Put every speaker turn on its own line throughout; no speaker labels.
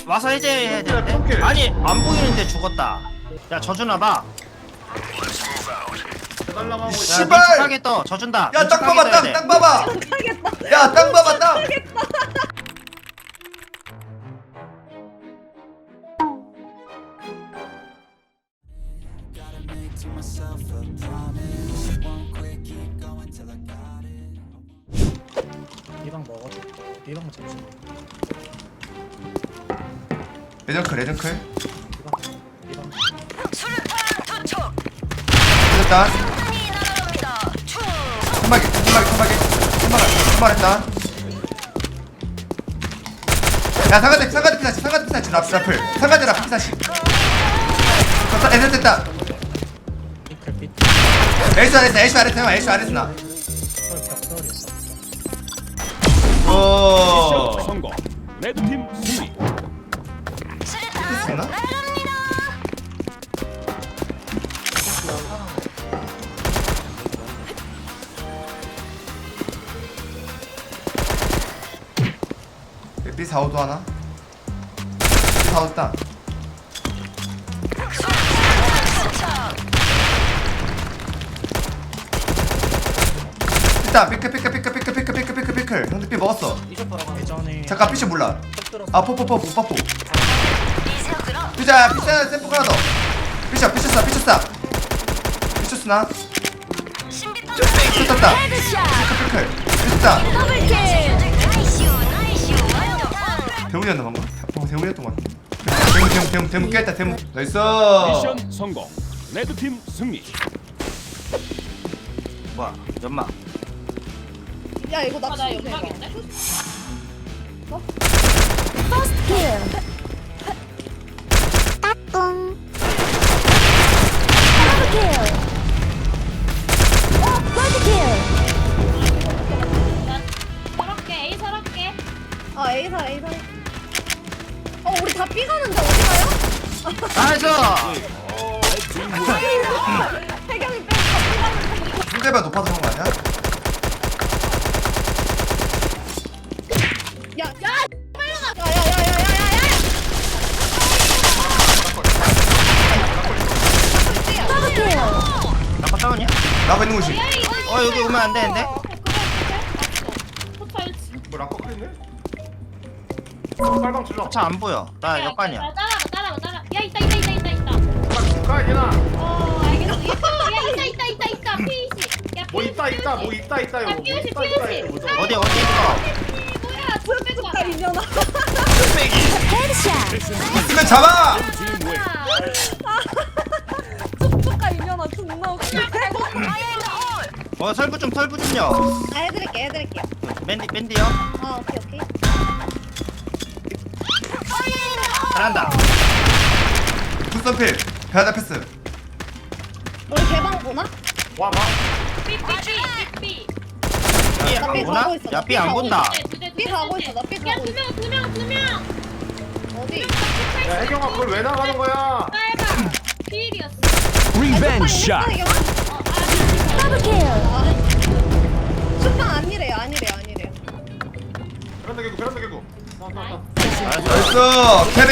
와서 해제해야 되는데. 아니 안 보이는데 죽었다. 야 져주나봐.
날라가고 있어.
씨발!
하게 떠 져준다.
야, 땅 봐봐, 땅 봐봐. 야, 땅 봐봐, 땅.
이방 먹어줘. 이방 잠시.
레전클, 레전클.
이방.
됐다. 선박했다. 야, 상가대 피사시, 라플. 상가대 라플 피사시. 됐다.
핑클빛.
에이스 아레스 나.
벽돌이었어.
오.
성공. 레드팀 승리.
됐나? B45도 하나? B45 있다. 있다. 피클. 형들 B 먹었어.
예전에
잠깐 피시 몰라.
들었어.
아 포포포 못 피자 샘플 하나 더. 피쳤나? 피쳤다. 피클. 피쳤다. 대문이었나 방금? 대문이었던 것 같아. 대문 깼다. 대문. 나이스.
미션 성공. 레드팀 승리.
뭐야 연막.
야 이거 나
나 연막인데? 서럽게 A 서럽게.
아 A사 우리 다 B 가는데 어디 가요?
나이스.
태경이 빼고 다 B 가는데
상대방 높아서 그런 거 아니야?
야야야야야야야야
나빠 다운이야?
나가 있는 곳이.
여기 오면 안 되는데.
포차 1층.
뭐 락커 끓이네? 빨방 질러.
차 안 보여. 나 역관이야.
따라와. 야 있다.
가 얘나.
알겠어. 야 있다. 피시. 야
뭐 있다 이거. 뭐 있다 이거.
피우시.
보자.
어디 있어?
뭐야? 둘 빼고
다 이년아
있으면 잡아.
팀 웨이.
촉촉가 이년아 존나 웃겨
설부 좀요.
아 해드릴게요
맨디요.
아 오케이
잘한다.
굿선필. 배하다 패스.
우리 개방 보나?
와 봐.
삐.
B 안
나 B
보나?
가고 있어,
야
나
B 안 본다.
B 가고 있어 나 B 가고 있어
두 명.
어디?
야 혜경아 그걸 왜 나가는 거야?
빨방. 피일이었어.
리벤지 샷.
슈팡 아니래요
베란다 개구. 나.
나이스. 캐리.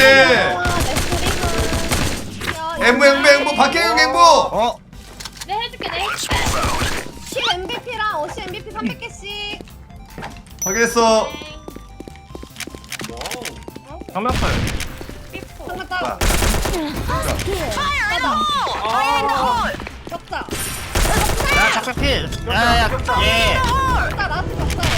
앵무 박혜영 앵무.
내 해줄게.
킬 MVP랑 어시 MVP 300개씩
확인했어.
정면풀.
잠깐 따라 적자
야 작별필. 야야 예.
적자 라스트 적자예요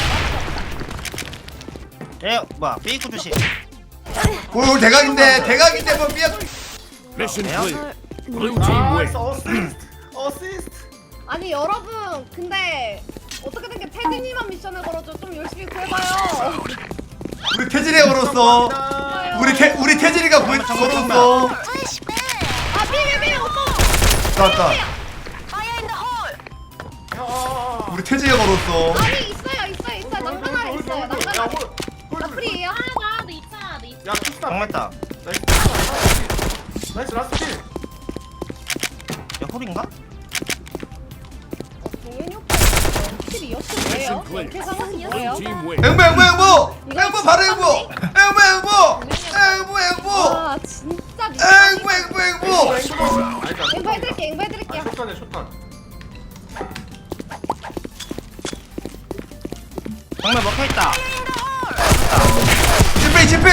예 뭐야 삐꾸 주시.
오 대각인데 뭐 삐약.
미션
왜요?
클리어. 블루팀 웨이.
나이스 어시스트.
아니 여러분 근데 어떻게든 게 태진이만 미션을 걸어줘 좀 열심히 구해봐요
우리 태진이가 걸었어. 우리 태진이가 걸었어.
아 비비 오빠
나왔다. 우리 태진이가 걸었어.
아니 있어요 난간 아래 있어요 난간 아래 나 프리에요
하나 너 있잖아.
야 투스타.
정말다.
나이스 라스트 킬.
야 홀인가?
동현이 오빠 킬이 역시 뭐예요? 이렇게 상황이 뭐예요?
팀 웨이.
앵무 바로 앵무.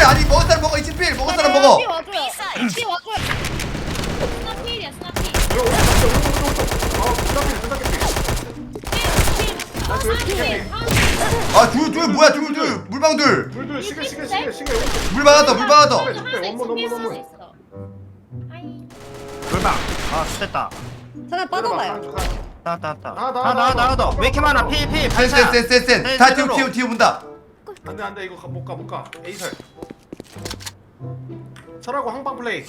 아니 먹은 사람 먹어. 2층 먹은 사람 먹어.
피 와줘요. 피 와줘요.
스나 필이야 스나 필.
아 둘 뭐야 둘 물방 둘.
둘 시계
물 많았다 물 많았다.
원문.
물방. 아 됐다.
전화 빠져나요.
나왔다.
나.
나도. 왜 이렇게 많아? 필.
센. 다 뒤로 본다.
안돼 이거 못 가. 에이설. 설하고 항방 플레이.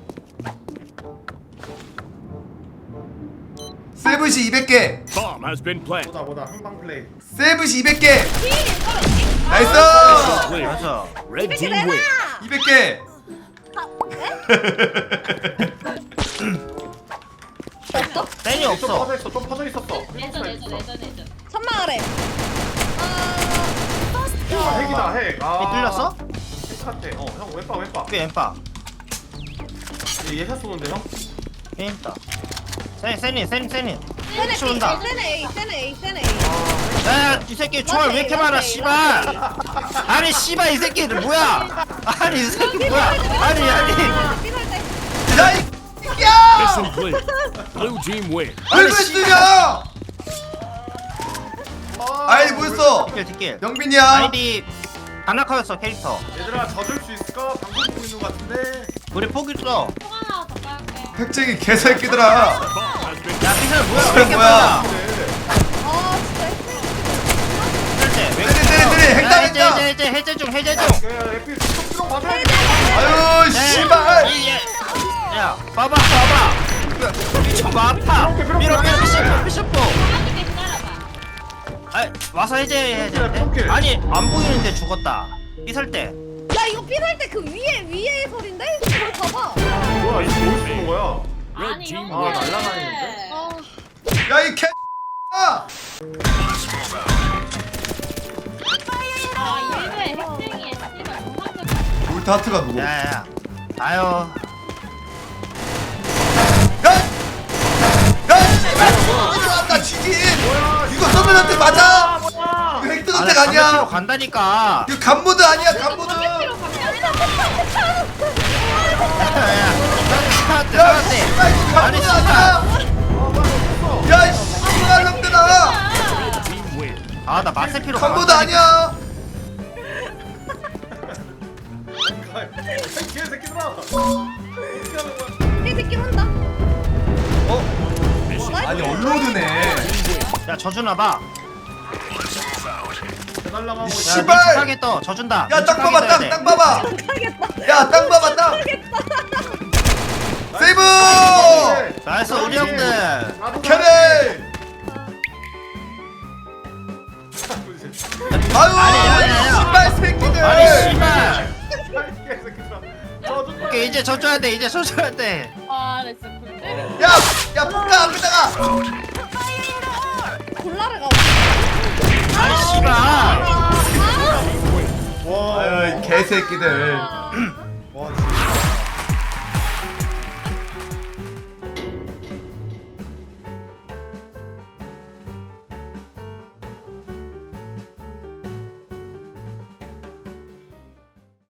세븐시 200개.
Bomb has been planted.
보다 항방 플레이.
세븐시 200개. 나이스.
Clear.
맞아.
Red
이렇게
team
내놔.
win.
200개.
없어?
땡이
좀
없어.
퍼져 있어. 좀 퍼져 있었어.
내전.
천막 아래.
핵이다 핵.
이 뚫렸어?
핵 같아. 형 왼빠.
꽤 엠빠.
얘샷 쏘는데 형?
게임다. 세니.
세네
치운다.
세네 A.
야, 이 새끼 총알 왜 이렇게 많아, 씨발! 아니, 씨발, 이 새끼들 뭐야! 아니, 이 새끼 뭐야! 아니!
삐살 때.
야이
Mission
새끼야.
clear. Blue team win.
왜 쓰냐? 아이 뭐였어?
뒷길.
영빈이야.
아이디 다나카였어, 캐릭터.
얘들아 져줄 수 있을까? 방송 보고 있는 것 같은데.
우리 포기 써.
통 하나 더 깔게.
백쟁이 개새끼들아.
Bomb has been
야, 피살 뭐야? 왜 이렇게
뭐야?
많아?
아 진짜.
해제.
때리, 핵당했다.
해제 중.
야 에피 쏙 맞아야 돼.
아유 씨발.
야, 봐봐. 미쳐봐, 아파. 밀어, 피셔포.
하나님께 기다려봐.
아, 와서 해제해야
포켓.
되는데. 아니, 안 보이는데 죽었다. 피살 때.
야 이거 삐살 때 그 위에 소린데? 그걸 봐봐.
뭐야 이거 뭘 쏘는 거야?
Red
아니
team
이런
win.
거.
날라다니는데?
야 이 개.
아 일베 핵쟁이에 씨발 정상적.
울타트가 누구? 야.
야. 아유.
씨발. 나 지진. 이거 서면한테 맞아. 이거 핵드너텍 아니야.
간다니까.
이거 간모드 아니야 간모드. 야 씨발 이거
아니,
간모드 아니야. 야 씨발 놈들아.
Red team win.
아, 나 마세피로
간모드 아니야.
개새끼들아.
이 새끼 온다.
아니 업로드네.
야, 져주나 봐.
해달라고 하고 있어.
씨발.
하게 떠. 져준다.
야 땅 봐봐 땅 봐봐.
하겠다.
야 땅 봐봐 땅. 세이브.
나이스, 우리 형들.
나도
캐리. 아유
아니.
씨발 새끼들.
아니, 씨발.
개새끼들아. 저도
오케이, 이제 져줘야 돼.
아, 나 진짜 굴 때려.
야 볼까 앞에다가.
골라를 가.
아니, 씨발.
와.
아유 이 개새끼들.